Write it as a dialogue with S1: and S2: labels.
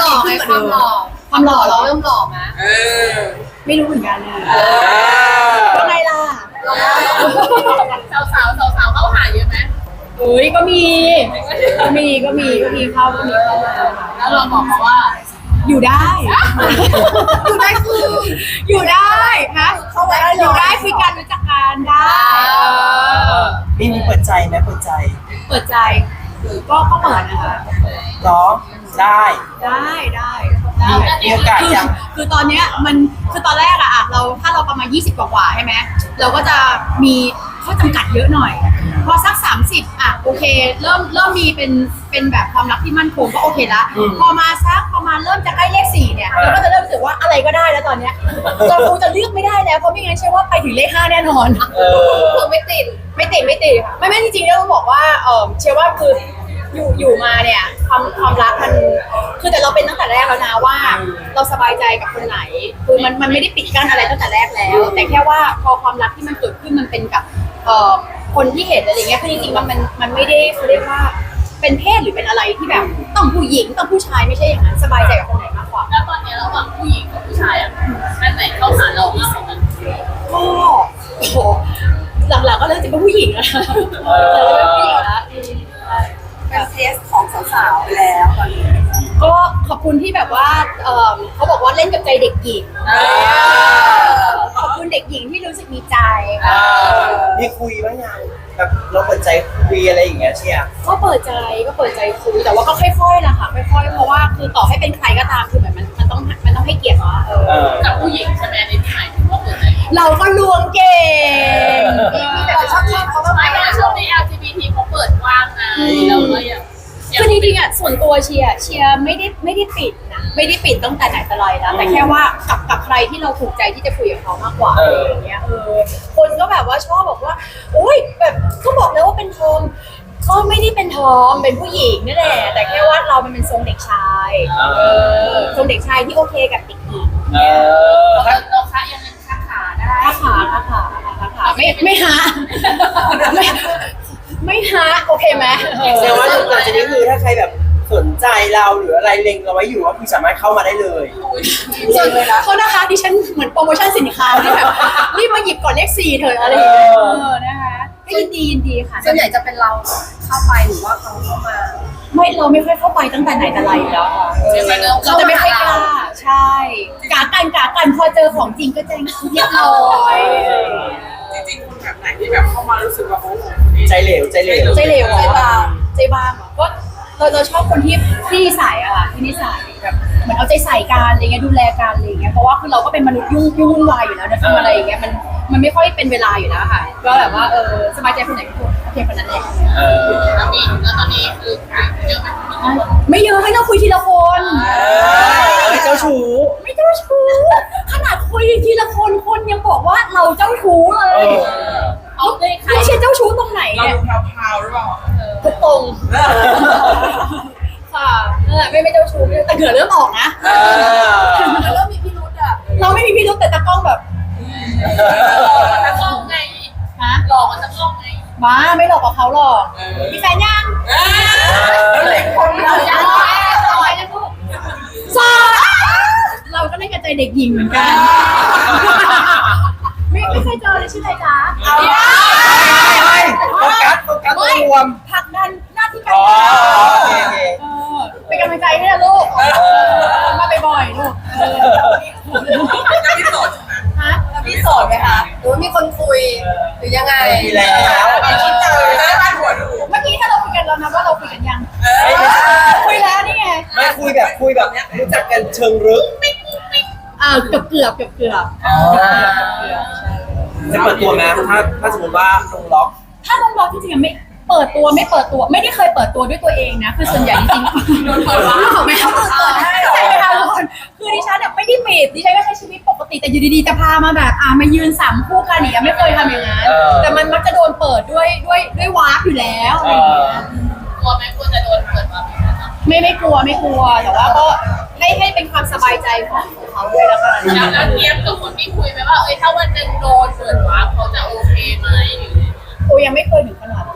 S1: ล่อไงความหล่อเราเริ่มหล่อไหม
S2: เออ
S1: ไม่รู้เหมือนกันเลย
S3: ยังไงล่ะ
S2: สาวเขาหาเยอะไหม
S1: เอ้ยก็มีเข้ามาแล้วเราบอกเขาว่าอยู่ได้ อยู่ได้คืออยู่ได้นะเขาไว้อยู่ได้คุยกันรู้จักกันได้
S3: มีเปิดใจไหมเปิดใจ
S1: เปิดใจก็เปิดนะคะ
S3: เหรอได้
S1: ได้
S3: มีโอกาสยัง
S1: คือตอนเนี้ยมันคือตอนแรกอะเราถ้าเราประมาณ20กว่าใช่ไหมเราก็จะมีข้อจำกัดเยอะหน่อยพอสัก30อะโอเคเริ่มมีเป็นแบบความรักที่มั่นคงก็โอเคละพอมาสักประมาณเริ่มจะใกล้เลข4เนี่ยเราก็จะเริ่มรู้สึกว่าอะไรก็ได้แล้วตอนเนี้ยเราคงจะเลือกไม่ได้แล้วเพราะไม่งั้นเชื่อว่าไปถึงเลข5แน่นอน
S2: คือไม่ติด
S1: ไม่ติดค่ะไม่จริงๆต้องบอกว่าเชื่อว่าคืออยู่มาเนี่ยความรักมันคือแต่เราเป็นตั้งแต่แรกแล้วนะว่าเราสบายใจกับคนไหนคือมันไม่ได้ปิดกั้นอะไรตั้งแต่แรกแล้ว แต่แค่ว่าพอความรักที่มันเกิดขึ้นมันเป็นกับคนที่เห็นอะไรเงี้ยคือจริงๆมันไม่ได้เขาเรียกว่าเป็นเพศหรือเป็นอะไรที่แบบต้องผู้หญิงต้องผู้ชายไม่ใช่อย่างนั้นสบายใจกับคนไหนมากกว่า
S2: แล้วตอนนี้ระหว่างผู้หญิงกับผู้ชายอ่ะอันไหนเข้าหาเรามากกว่ากัน
S1: ก็โอ้โหหลังๆก็เริ่มจะเป็นผู้หญิงแล้วเป็นผู้หญิงแล้ว
S4: เป็นเทสของสาวๆไปแล้วตอนนี้
S1: ก็ขอบคุณที่แบบว่าเขาบอกว่าเล่นกับใจเด็กหญิงขอบคุณเด็กหญิงที่รู้สึกมีใจค่ะ
S3: มีคุยบ้างยังแบบเราเปิดใจคุยอะไรอย่างเงี้ยเชียร์
S1: ก็เปิดใจคุยแต่ว่าก็ค่อยๆนะคะค่อยๆเพราะว่าคือต่อให้เป็นใครก็ตามคือแบบมันต้องให้เกียรติว่า
S2: กับผู้หญิงใช่ไหมในที่หมายถึงว่าเปิดใจ
S1: เราก็ลวงเก่ง
S4: มีแต่ชอบเขาบ้างไหม
S2: ไม่แต่ช่วงนี้ LGBT เขาเปิดกว้างไงเราก็ยัง
S1: คือจริงๆอ่ะส่วนตัวเชียร์ไม่ได้ปิดนะไม่ได้ปิดตั้งแต่ไหนแต่ไรแล้วแต่แค่ว่ากับใครที่เราถูกใจที่จะคุยกับเขามากกว่าอะไรอย่างเงี้ยคนก็แบบว่าชอบบอกว่าโอ๊ยแบบก็บอกแล้วว่าเป็นทอมก็ไม่ได้เป็นทอมเป็นผู้หญิงนี่แหละแต่แค่ว่าเรามันเป็นทรงเด็กชายทรงเด็กชายที่โอเคกับเด็กหญิง
S2: เราคะยังเป็นค้าขาได้
S1: ค่าขาไม่หาไม่หาโอเคไหม
S3: แสดงว่าหลังจากนี้คือถ้าใครแบบสนใจเราหรืออะไรเล็งเราไว้อยู่ก็คือสามารถเข้ามาได้เลย
S1: ส่วนโทษนะคะดิฉันเหมือนโปรโมชั่นสินค้าที่แบบรีบมาหยิบก่อนเลข4เถอะอะไรอย่างเงี้ยนะคะก็ยินดีค่ะ
S4: ส่วนใหญ่จะเป็นเราเข้าไปหรือว่าเขาเข้ามา
S1: เราไม่ค่อยเข้าไปตั้งแต่ไหนแต่ไรอยู่แล้วค่ะเราจะไม่ค่อยกล้าใช่กากันพอเจอของจริงก็จะเรียบร้อย
S5: จริงๆคนแบบไหนที่แบบเข้ามารู้สึกว่าโอ้โห
S3: ใจเหลว
S1: ใจเหลวใจบางเหรอก็เราชอบคนที่นิสัยอะค่ะที่นิสัยแบบเหมือนเอาใจใส่กันอะไรเงี้ยดูแลกันอะไรเงี้ยเพราะว่าคือเราก็เป็นมนุษย์ยุ่งวุ่นวายอยู่แล้วนะทำอะไรอย่างเงี้ยมันไม่ค่อยเป็นเวลาอยู่แล้วค่ะก็แบบว่าสบายใจคนไหนก็โอเคคนนั้นแหละ
S2: แล้วตอนนี้คือเยอะไหม
S1: ไม่เยอะให้เราคุยทีละคน
S3: ไม่เจ้าชู้
S1: ไม่เจ้าชู้ขนาดคุยทีละคนยังบอกว่าเราเจ้าชู้เลย
S2: เอาได้ใคร
S1: ไม่ใช่เจ้าชู้ตรงไหน
S5: เรา
S1: เนี่ย
S5: ดูพราวๆหรือเปล่า
S1: ทุกตรงค่ะไม่เจ้าชู้แต่เหงื่อเริ่มออกนะ
S4: แต่เริ่มมีพิรุธอ่ะ
S1: เราไม่มีพิรุธแต่ตากล้องแบบ
S2: ตะกล้องไง
S1: ฮะ
S2: หลอกมันตะกล้องไง
S1: บ้าไม่หลอกกับเขาหรอกมีแฟนยัง
S3: เล็กคนเรา
S1: ยังสอเราก็เล่นกับใจเด็กหญิงเหมือนกันไม่เคยเจอเลยชื่ออะไรจ๊ะ
S3: โฟกัสรวม
S1: ผลักดันหน้าที่การ
S3: อ๋อง
S1: าน
S3: โอเค
S1: เป็นกำลังใจให้นะลูกมาบ่อยๆลูก
S5: จะพิสูจน์
S1: ฮะ
S4: แล้วพี่โสดไหมคะหรือว่ามีคนคุยหรือยังไง
S3: มีแล้ว
S5: เราคิดเจอหน้าบ้านหัวดู
S1: เมื่อกี้ถ้าเราคุยกันแล้วนะว่าเราคุยกันยัง
S3: ไม่ใช่
S1: คุยแล้วนี่ไง
S3: ไม่คุยแบบรู้จักกันเชิงลึก
S1: เกือบ
S3: จะเปิดตัวไหมถ้าสมมติว่าลงล็อก
S1: ถ้าน้องบอกจริงๆไม่เปิดตัวไม่ได้เคยเปิดตัวด้วยตัวเองนะคือส่วนใหญ่จริงๆโดนเปิดว่าไม่เขาเปิดให้หรอใช่ไหมคะทุกคนคือดิฉันเนี่ยไม่ได้ปิดดิฉันก็ใช้ชีวิตปกติแต่อยู่ดีๆจะพามาแบบมายืน3คู่กันเนี่ยไม่เคยทำอย่างนั้นแต่มันมักจะโดนเปิดด้วยวาร์ปอยู่แล้วอะไรอย่างเงี้ย
S2: กลัวไหมกลัวจะโดนเปิดมาไหมคะ
S1: ไม่กลัวแต่ว่าก็ให้เป็นความสบายใจของเขาด้วยแล้วกัน
S2: แล้วเทียบกับคนที่คุยไหมว่าถ้าวันหนึ่งโดนเปิดวาร์ปเขาจะโอเคไหม
S1: โอ้ยังไม่เคยถึงขนาด